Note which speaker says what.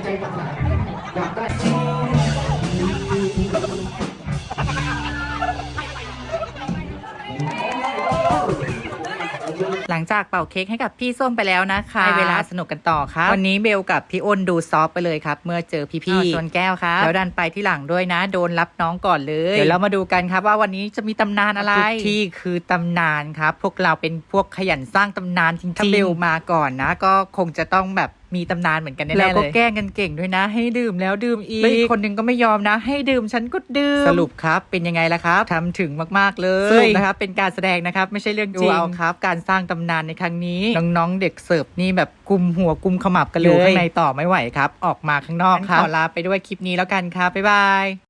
Speaker 1: ต่างๆอยากได้
Speaker 2: หลังจากเป่าเค้กให้กับพี่ส้มไปแล้วนะคะให้เวลาสนุกกันต่อครับวันนี้เบลกับพี่อ้นดูซอฟไปเลยครับเมื่อเจอพี่ๆชนแก้วครับแล้วดันไปที่หลังด้วยนะโดนรับน้องก่อนเลยเดี๋ยวเรามาดูกันครับว่าวันนี้จะมีตำนานอะไรทุกที่คือตำนานครับพวกเราเป็นพวกขยันสร้างตำนานจริงๆถ้าเบลมาก่อนนะก็คงจะต้องแบบมีตำนานเหมือนกันแน่ๆเลยแล้วก็แกล้งกันเก่งด้วยนะให้ดื่มแล้วดื่มอีกแล้วอีกคนนึงก็ไม่ยอมนะให้ดื่มฉันก็ดื่มสรุปครับเป็นยังไงล่ะครับทำถึงมากๆเลยสรุปนะครับเป็นการแสดงนะครับไม่ใช่เรื่องจริงเอาครับการสร้างตำนานในครั้งนี้น้องๆเด็กเสิร์ฟนี่แบบกุมหัวกุมขมับกันเลยอยู่ข้างในต่อไม่ไหวครับออกมาข้างนอกครับขอลาไปด้วยคลิปนี้แล้วกันครับบ๊ายบาย